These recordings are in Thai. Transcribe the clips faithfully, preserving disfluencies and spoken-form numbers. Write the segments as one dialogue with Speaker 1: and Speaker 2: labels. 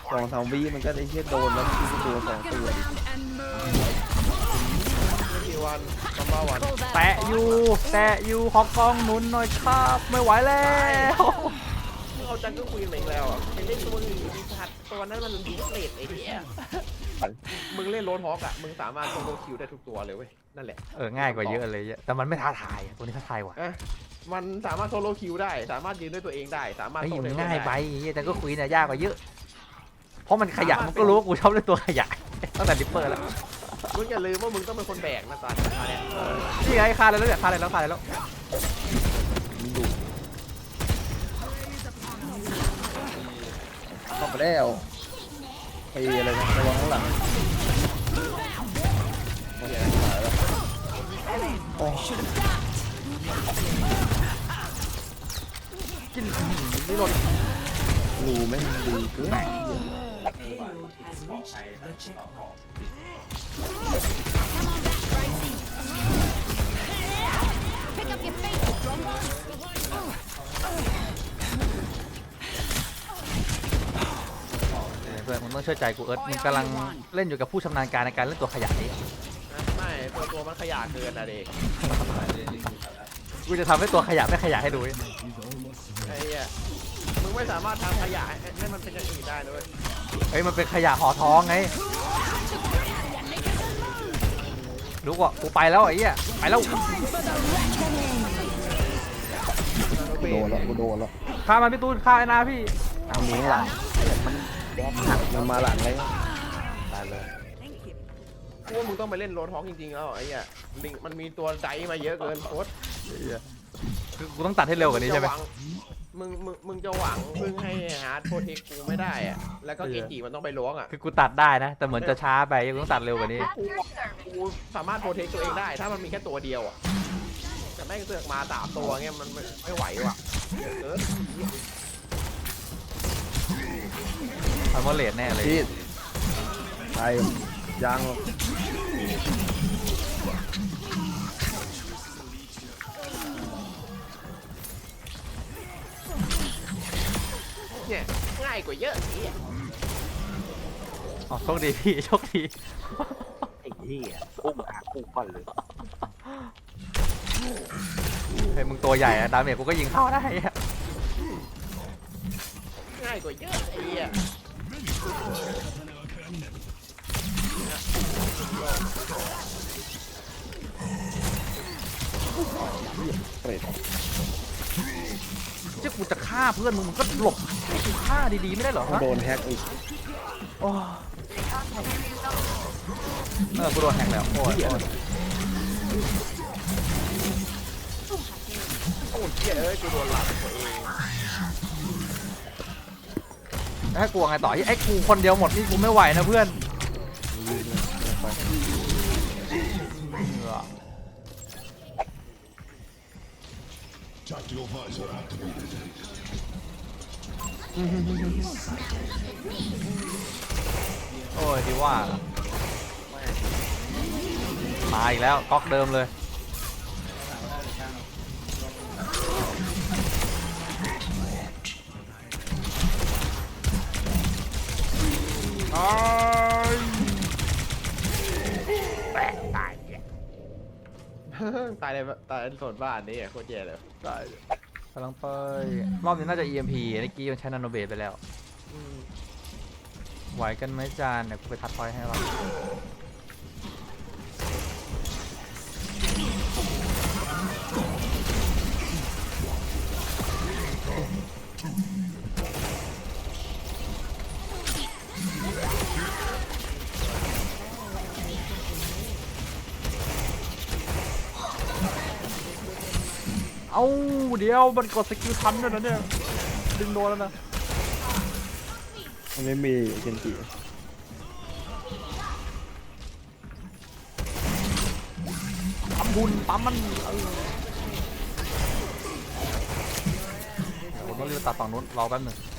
Speaker 1: สองสามวิมันก็ได้เชี่ยโดนแล้วมันคือตัวสองตัว
Speaker 2: กี่วันซัมบ้าวัน
Speaker 3: แตะอยู่แตะอยู่ขอกองหนุนหน่อยครับไม่ไหวแล้ว
Speaker 2: มึงเอาจังก็คุยอีกแล้วอ่ะไปเล่นตัวอื่นดิชัดตัวนั้นมันดีเลทไอ้เหี้ยมึงเล่นโรนฮอกอ่ะมึงสามารถโซโลคิวได้ทุกตัวเลยเว้ยนั่นแหละ
Speaker 3: เออง่ายกว่าเยอะเลยแต่มันไม่ท้าทายตัวนี้ท้าทายว่ะ
Speaker 2: มันสามารถโซโลคิวได้สามารถยืนด้วยตัวเองได้สามารถ
Speaker 3: ไอ้มันง่ายไปแต่ก็คุยเนี่ยยากกว่าเยอะเพราะมันขยะมันก็รู้ว่ากูชอบเล่นตัวขยะตั้งแต่ดิปเปอร์แล้ว
Speaker 2: มึงอย่าลืมว่ามึงต้องเป็นคนแบกนะตอนนี้
Speaker 3: นี่ไงฆ่าเลยแล้วเนี่ยฆ่าเลยแล้วฆ่าเลยแล้ว
Speaker 1: เข้าไปแล้วไปอะไรนะระวังข้างหลังโอ้
Speaker 3: กินนี่หล่น
Speaker 1: รูไม่ดีเกิน
Speaker 3: เพื่อนมึงต้องเชื่อใจกูเอิร์ธมึงกำลังเล่นอยู่กับผู้ชำนาญการในการเล่นตัวขยะนี้
Speaker 2: ไม่ตัวตัวมันขยะเกินนะเด็ก
Speaker 3: กูจะทำให้ตัวขยะไม่ขยะให้ดู
Speaker 2: ไอ้เหี้ยมึงไม่สามารถทำขยะให้มันเป็นอย่างอื่นได้เลย
Speaker 3: เฮ้ยมันเป็นขยะห่อท้องไงรู้ว่ากูไปแล้วไอ้เหี้ยไปแล้ว
Speaker 1: โดนแล้วกูโดนแล้ว
Speaker 3: ฆ่ามันพี่ตูนฆ่าไอ้นาพี่
Speaker 1: เอาหนีหลังมันมันมาหลังเลยตายเลย
Speaker 2: กูว่ามึงต้องไปเล่นโรนฮอกจริงๆแล้วไอ้เหี้ยมันมีตัวไดมาเยอะเกินโคตร
Speaker 3: คือกูต้องตัดให้เร็วกว่านี้ใช่ไหม
Speaker 2: มึงมึงมึงจะหวังพึ่งให้ฮาร์ดโปรเทคกูไม่ได้อะแล้วก็เกจิมันต้องไปล้วงอ่ะ
Speaker 3: คือกูตัดได้นะแต่เหมือนจะช้าไปกูต้องตัดเร็วกว่านี้
Speaker 2: กูสามารถโปรเทคตัวเองได้ถ้ามันมีแค่ตัวเดียวอ่ะแต่แม่งเสือกมาสามตัวเงี้ยมันไม่ไหวว่ะเออ
Speaker 3: ทำว่าเลทแน่เลย
Speaker 1: พี่ไปยัง
Speaker 2: เนี่ยง่ายกว่าเยอะ
Speaker 3: อ๋อโชคดีพี่โชคดี
Speaker 1: ไอ้เหี้ยอุ้มอาคู่ก่อนเลย
Speaker 3: เฮ้ยมึงตัวใหญ่อะดาเมจกูก็ยิงเข้าได้
Speaker 2: ง่ายกว่าเยอะไอ้เหี้ย
Speaker 1: เปรต
Speaker 3: จะกูจะฆ่าเพื่อนมึงมึงก็หลบให้กูฆ่าดีๆไม่ได้เหรอ
Speaker 1: โดนแฮกอีก
Speaker 3: โอ้เออกูโดนแฮกแล้วโอ้ย
Speaker 2: โอ้ยเหี้ยเอ้ยกูโดนหลังตัวเอง
Speaker 3: ให้กูไงต่อไอ้กูคนเดียวหมดนี่กูไม่ไหวนะเพื่อนโอ้ยดีว่ามาอีกแล้วก๊อกเดิมเลย
Speaker 2: ตายตายตายตายเลยตายโซนบ้านนี่โคตรแย่เลย
Speaker 3: ตายกำลังไปรอบนี้น่าจะ อี เอ็ม พี เมื่อกี้มันใช้นาโนเบสไปแล้วไหวกันไหมจานเดี๋ยวกูไปทัดพอยให้เราเอาเดี๋ยวมันกดสกิลทันด้วยนะเนี่ยดึงโดนแล้วนะ
Speaker 1: มันไม่มีเคนจิ
Speaker 3: ปั๊มบุญปั๊มมันผมต้องรีบตัดฝั่งนู้นรอแป๊บหนึ่ง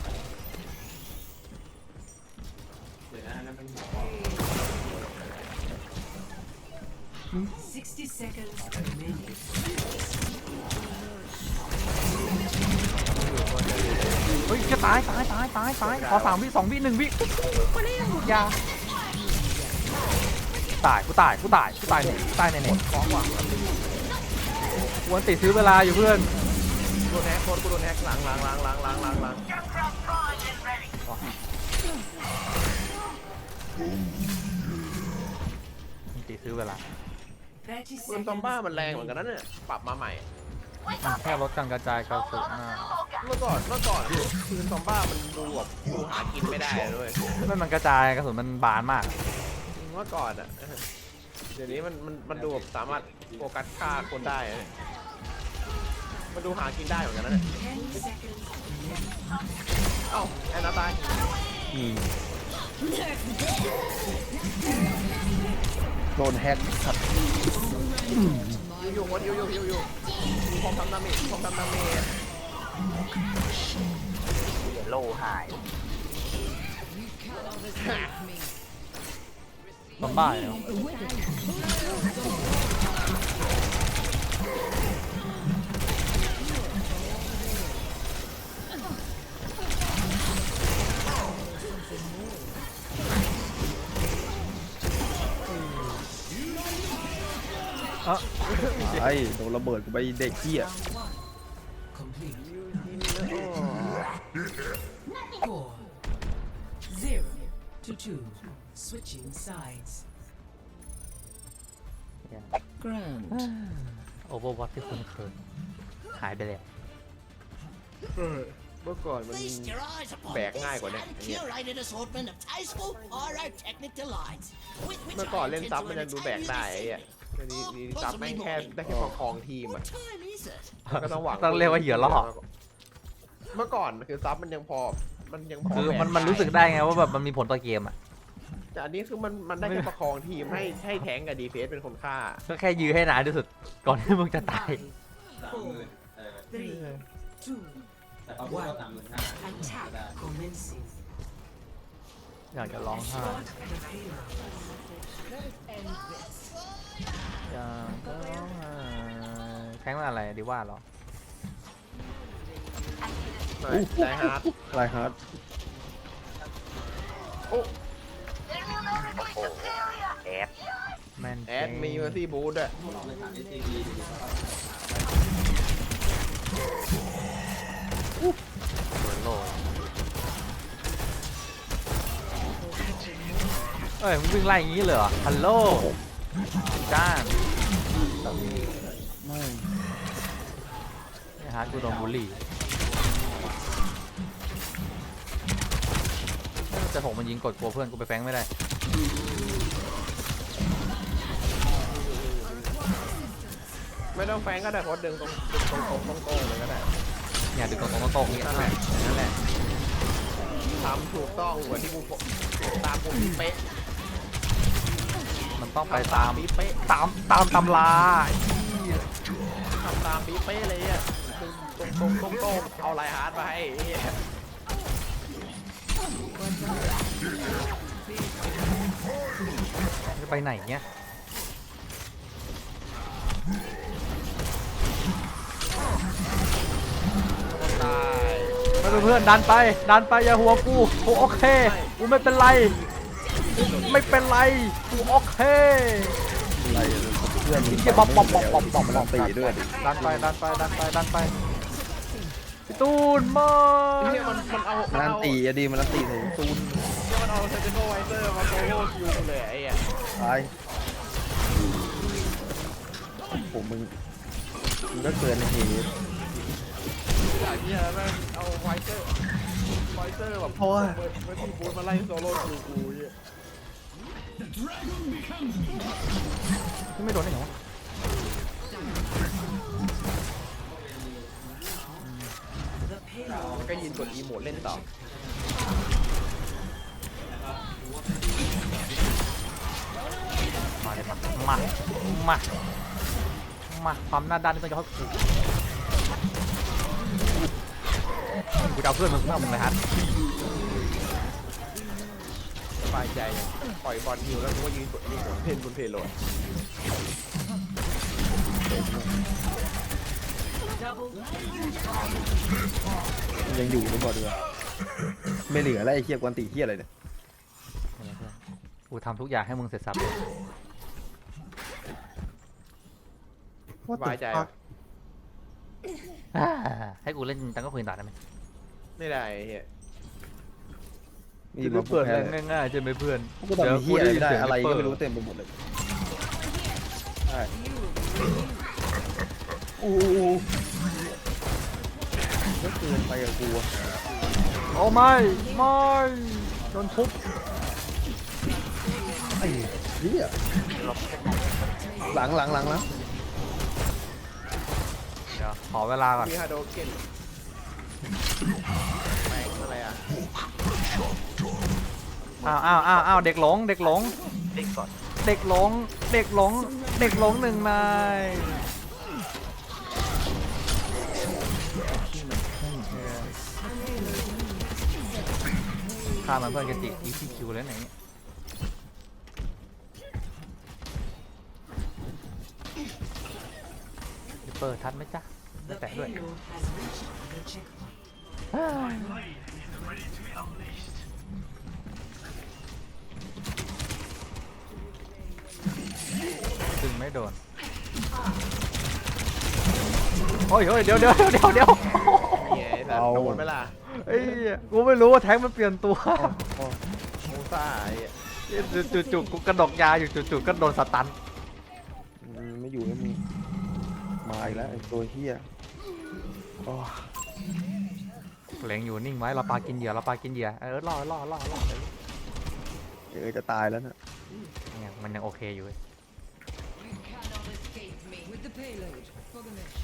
Speaker 4: sixty seconds remaining.
Speaker 3: เฮ้ยฮ้ยจะตายตายตายตายตายขอสามวิสองวิหนึ่งวิยาตายกูตายกูตายกูตายเนี่ยตายเนี่ยเนี่ย
Speaker 2: ของหวังมันดี
Speaker 3: กวนติดซื้อเวลาอยู่เพื่อน
Speaker 2: โดนแฮกโดนกูโดนแฮกหลังหลังหลังหลังหลังหลังหลัง
Speaker 3: ติดซื้อเวลา
Speaker 2: ปืนซอมบ้ามันแรงเหมือนกันนะเนี่ยปรับมาใหม่
Speaker 3: มันแค่ลดการกระจายกระสุนนะ
Speaker 2: เมื่อก่อนเมื่อก่อนปืนซอมบ้ามันดูแบบดูหากินไม่ได้เลย
Speaker 3: ไม่มันกระจายกระสุนมันบานมาก
Speaker 2: เมื่อก่อนอ่ะเดี๋ยวนี้มันมันมันดูแบบสามารถโฟกัสฆ่าคนได้อะมันดูหากินได้เหมือนกันนะเนี่ยเอ้าแอนนาตาย
Speaker 1: อืมโดนแฮกสัตว์
Speaker 2: อยู่อยู่คนอยู่อยู่อยู่อยู่มีความทำดาเมจความทำดาเมจ
Speaker 1: โลหาย
Speaker 3: ซอมบ้าเนาะ
Speaker 1: ไอ้โดนระเบิดกูไปเด็กเหี้ย
Speaker 4: Four, zero to two. Switching sides. Ground.
Speaker 3: โอเวอร์วอทที่คุ้นเคยหายไปแล้ว
Speaker 2: เมื่อก่อนมัน
Speaker 5: Feast your eyes upon
Speaker 2: Bẹt
Speaker 5: this
Speaker 2: ngay của này.
Speaker 5: and curated assortment of tasteful pyrotechnic delights. with which
Speaker 2: เมื่อก่อน
Speaker 5: I
Speaker 2: เล่น
Speaker 5: intend
Speaker 2: ซับ
Speaker 5: to
Speaker 2: มันยังดูแบก
Speaker 5: entertain
Speaker 2: ได้
Speaker 5: you
Speaker 2: ไอ้
Speaker 5: this
Speaker 2: เหี้ย
Speaker 5: evening.
Speaker 2: เดี๋ยวนี้นี่ซับแม่งแค่ได้แค่ประคองทีม
Speaker 5: What
Speaker 2: อ่ะ
Speaker 5: time is it?
Speaker 2: ก็ต้องหวัง
Speaker 3: ต้องเรียกว่าเหยื่อล่อ
Speaker 2: เมื่อก่อนคือซับมันยังพอมันยังพอ
Speaker 3: คือ
Speaker 2: แบก
Speaker 3: มันมันรู้สึกได้ไงว่าแบบมันมีผลต่อเกมอ่ะ
Speaker 2: แต่อันนี้คือมันมันได้แค่ประคองทีมให้ให้แทงกับดีเฟสเป็นคนฆ่า
Speaker 3: ก็แค่ยื้อให้นานที่สุดก่อนที่มึงจะตาย
Speaker 4: Four, three, two, one. Attack commencing.
Speaker 3: อยากจะร้องไห้
Speaker 4: Start the payload.
Speaker 3: อยากจะร้องไห้แข้งว่าอะไรดีว่าเหรอ
Speaker 2: ได้ฮาร์ด
Speaker 1: ไรฮาร์ด
Speaker 2: โอ้
Speaker 3: แมน
Speaker 2: แอดมีเมอร์ซี่บูทด้วย
Speaker 3: เหมือนโลเอ้ยมึงวิ่งไล่อย่างนี้เลยเหรอฮัลโหลจ้าน
Speaker 1: ไม่
Speaker 3: ไอ้ฮาร์ดกูโดนบูลลี่แต่ผมมันยิงกดกลัวเพื่อนกูไปแฟงไม่ได้
Speaker 2: ไม่ต้องแฟงก็ได้เพราะดึงตรงดึงตรงตรงตรงตรงเลยก็ได้
Speaker 3: เนี่ยดึงตรงตรงตรงๆเนี่ย
Speaker 2: นั่นแหละนั่นแหละทำถูกต้องเหมือนที่กูตามกูเป๊ะ
Speaker 3: มันต้องไปตาม
Speaker 2: ปีเป๊ะ
Speaker 3: ตามตามตำรา
Speaker 2: ทำตามปีเป๊ะเลยอ่ะตรงตรงตรงตรงเอาไลฮาร์ดมาให้ไอ้เหี้ย
Speaker 3: จะไปไหนเนี่ย
Speaker 2: ตาย
Speaker 3: ไม่เป็นเพื่อนดันไปดันไปอย่าหัวกูกูโอเคกูไม่เป็นไรไม่เป็นไรกูโอเค
Speaker 1: อะไรเพื่อน
Speaker 3: เหี้ยบ๊อบบ๊อบบ๊อบบ๊อบบ๊อบ
Speaker 1: มันตีด้วยดิ
Speaker 3: ดันไปดันไปดันไปดันไปพี่ตูนมา
Speaker 2: ไอ้เหี้ยมันมันเอามัน
Speaker 1: มัน
Speaker 2: เอา
Speaker 1: ตีอะดีมันตีใส่ตูน
Speaker 2: เหี้ยมันเอาเซนติโนไวเซอร์มาโซโล่คิวเลยไอ้เหี้ย
Speaker 1: ตายผมมึงมึงก็เกินเหตุ
Speaker 2: ไอ้เหี้ยแม่งเอาไวเซอร์ไวเซอร์แบบเปิดเปิดที่บูธมาไล่โซโล่คิวกูไอ้เหี้ย
Speaker 3: ไม่โดนได้เหรอวะ
Speaker 4: The payload.
Speaker 2: ก็ยินกดอีโมดเล่นต่อ
Speaker 3: มาเลยมามามามาความหน้าด้านนี่ต้องยกให้กูกูจะเอาเพื่อนมึงเพื่อนมึงเลยฮัท
Speaker 2: สบายใจปล่อยบอลฮิวแล้วกูก็ยืนกดอีโมดเล่นบนเพลโหลด
Speaker 1: ยังอยู่ไม่บอกดีกว่าไม่เหลือแล้วไอ้เหี้ยกวนตีเหี้ยอะไรเนี่ย
Speaker 3: กูทำทุกอย่างให้มึงเสร็จสับเลย
Speaker 2: สบายใจปะ
Speaker 3: อ่าให้กูเล่นตังก็คุยต่อได้ไหม
Speaker 2: ไม่ได้ไอ้เฮีย
Speaker 1: มี
Speaker 3: จะ
Speaker 1: มา
Speaker 3: ได้
Speaker 1: พู
Speaker 3: เปิ
Speaker 1: ด
Speaker 3: ด
Speaker 1: แพ้
Speaker 3: แรงง่ายๆใช่ไหมเพื่อน
Speaker 1: กูทำเหี้ยอะไรไม่ได้อะไรก็ไม่รู้
Speaker 3: เต็ม
Speaker 1: เต็มไปหมดเลยใช่อู้ก็เกินไปกับกูอะ
Speaker 3: โอ้ไม่ไม่โดนทุบ
Speaker 1: ไอ้เหี้ยหลังหลังหลังแล้ว
Speaker 3: เดี๋ยวขอเวลาก่อน
Speaker 2: มีฮาโดเกนแม่งอะไรอ่ะ
Speaker 3: อ้าวอ้าวอ้าวอ้าวเด็กหลงเด็กหลงเด็กหลงเด็กหลงเด็กหลงหนึ่งนายฆ่ามันเพื่อนกันติ อี ซี คิว แล้วไหนเนี่ยเปิดทันไหมจ๊ะไม่
Speaker 4: The
Speaker 3: แตะด้วย
Speaker 4: payload has reached the checkpoint.
Speaker 3: ดึงไม่โดนโอ้ยเฮ้ยเดี๋ยวเดี๋ยวเดี๋ยวเดี๋ยวเดี๋ยว
Speaker 2: เหี้ยไอ้สัตว์โดนไหมล่ะ
Speaker 3: ไอ้เหี้ยกูไม่รู้ว่าแท้งมันเปลี่ยนตัว
Speaker 1: อ๋อ
Speaker 2: โมซ่าไอ้เหี้ย
Speaker 3: จู่ๆกูกระดกยาอยู่จู่ๆก็โดนสตัน
Speaker 1: อืมไม่อยู่แล้วมึงมาอีกแล้วไอ้ตัวเหี้ยโอ้
Speaker 3: เหลงอยู่นิ่งไว้เราปลากินเหยื่อเราปลากินเหยื่อเออล่อล่อล่อล่อ
Speaker 1: เดี๋ยวจะตายแล้วนะ
Speaker 3: เนี่ยมันยังโอเคอยู่เว้ย
Speaker 4: With the payload for the mission.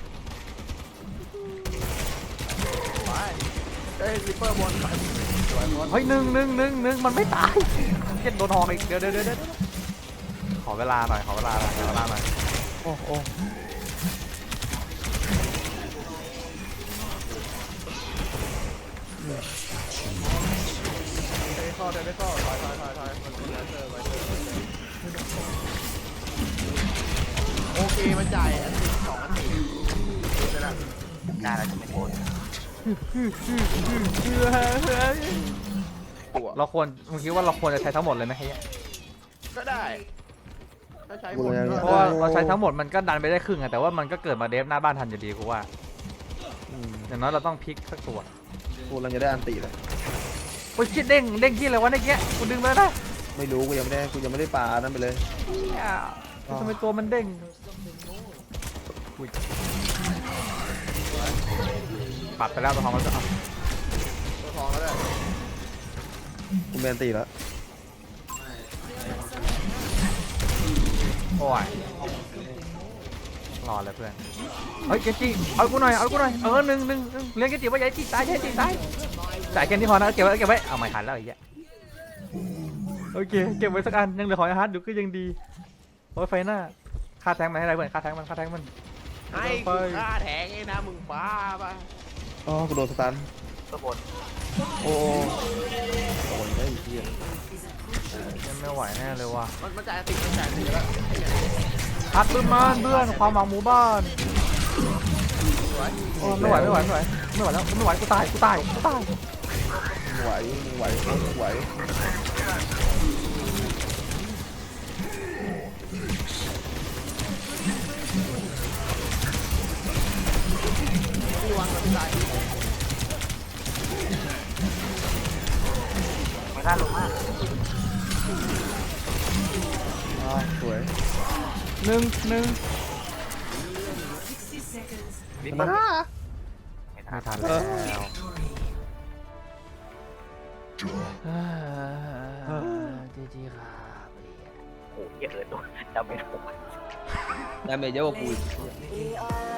Speaker 2: ไปเอ้ยริปเปอร์บนไปสวยหมด
Speaker 3: เฮ้ยหนึ่งหนึ่งหนึ่งหนึ่งมันไม่ตายเจ็ดโดนหอกอีกเดี๋ยวเดี๋ยวเดี๋ยวเดี๋ยวขอเวลาหน่อยขอเวลาหน่อยขอเวลาหน่อย
Speaker 1: โอ้โอ้
Speaker 2: เดินเข้าเดินไม่เข้าถอยถอยถอยถอยมันเป็นแลนเซอร์ไว้เจอโอเคมันจ่ายอันติสองอันติไปแล้ว
Speaker 1: ได้แล้วจะไม่โกน
Speaker 2: ตัว
Speaker 3: เราควรมึงคิดว่าเราควรจะใช้ทั้งหมดเลยไหมเฮีย
Speaker 2: ก็ได้ถ้าใช้หมดก็
Speaker 3: เพราะว่าเราใช้ทั้งหมดมันก็ดันไปได้ครึ่งอะแต่ว่ามันก็เกิดมาเดฟหน้าบ้านทันอยู่ดีกูว่า
Speaker 1: อืม
Speaker 3: อย่างน้อยเราต้องพลิกสักตัว
Speaker 1: กูกำลังจะได้อันตีเลย
Speaker 3: โอ้ยชิดเด้งเด้งที่อะไรวะในเกี้ยกูดึงเลยนะ
Speaker 1: ไม่รู้กูยังไม่ได้กูยังไม่ได้ปลานั่นไปเลย
Speaker 3: เนี่ยทำไมตัวมันเด้งอุ๊ยปัดไปแล้วตัวทองมันจะเอา
Speaker 2: ตัวทองก็ได้
Speaker 1: กูเป็นอันตีแล้ว
Speaker 3: โอ้ยรอเลยเพื่อนเฮ้ยเกจิเอากูหน่อยเอากูหน่อยเออหนึ่งหนึ่งหนึ่งเลี้ยงเกจิไว้ใหญ่จิตายใหญ่จิตายจ่ายแค่นี้พอนะเก็บไว้เก็บไว้เอาไม่ทันแล้วไอ้เหี้ยโอเคเก็บไว้สักอันยังเหลือหอยอาหารอยู่ก็ยังดีโอ้ยไฟหน้าค่าแทงมันให้ได้เพื่อนค่าแทงมันค่าแทงมัน
Speaker 2: ให้กูฆ่าแทงไอ้นะมึงบ้าปะ
Speaker 1: อ๋อกูโดนสตันโอ้โอ้ยได้อีกทีย
Speaker 3: ยังไม่ไหวแน่เลยว่ะ
Speaker 2: มันมันจ่ายอันติมันจ่ายอันติแล้ว
Speaker 3: พัดปืนมันเพื่อนความหวังหมู่บ้านโอ้ไม่ไหวไม่ไหวไม่ไหวไม่ไหวแล้วไม่ไหวกูตายกูตายกูตาย
Speaker 1: มึงไหวมึงไหวมึงไหว
Speaker 2: ที่วางมันจ่าย
Speaker 1: อ๋อสวย
Speaker 3: หนึ่งหนึ่ง
Speaker 4: sixty seconds.
Speaker 2: ลิปเปอร์
Speaker 3: ไม่ทันแล้วจีจีครับ
Speaker 1: ดาเมจเยอะกว่ากูอีก
Speaker 4: Play of the game.